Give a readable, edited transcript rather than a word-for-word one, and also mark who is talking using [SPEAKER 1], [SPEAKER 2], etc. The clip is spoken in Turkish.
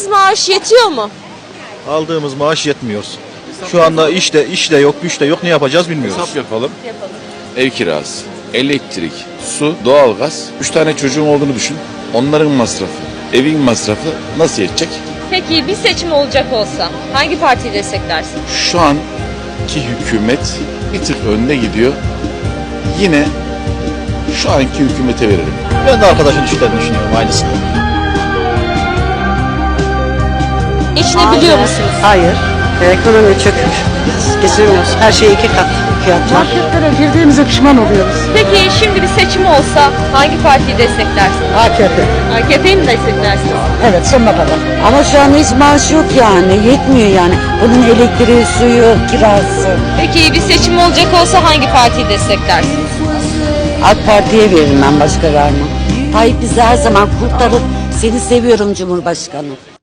[SPEAKER 1] Aldığınız maaş yetiyor mu?
[SPEAKER 2] Aldığımız maaş yetmiyor. Şu anda iş de yok, güç de yok. Ne yapacağız bilmiyoruz.
[SPEAKER 3] Hesap yapalım. Ev kirası, elektrik, su, doğalgaz. 3 tane çocuğun olduğunu düşün. Onların masrafı, evin masrafı nasıl yetecek?
[SPEAKER 1] Peki bir seçim olacak olsa hangi partiyi desteklersin?
[SPEAKER 3] Şu anki hükümet bir tık önde gidiyor. Yine şu anki hükümete veririm.
[SPEAKER 2] Ben de arkadaşın işlerini düşünüyorum aynısını.
[SPEAKER 1] Geçinebiliyor musunuz?
[SPEAKER 4] Hayır. Ekonomi çökmüş. Geçemiyoruz. Her şey 2 kat fiyatlar.
[SPEAKER 5] Marketlere girdiğimize pişman oluyoruz.
[SPEAKER 1] Peki şimdi bir seçim olsa hangi partiyi desteklersin?
[SPEAKER 5] AKP.
[SPEAKER 1] AKP'yi mi desteklersiniz?
[SPEAKER 5] Evet, sonuna kadar.
[SPEAKER 4] Ama şu an hiç maaş yok yani. Yetmiyor yani. Bunun elektriği, suyu, kirası.
[SPEAKER 1] Peki bir seçim olacak olsa hangi partiyi desteklersin?
[SPEAKER 4] AK Parti'ye veririm ben, başka vermem. Tayyip bizi her zaman kurtarır. Seni seviyorum Cumhurbaşkanı.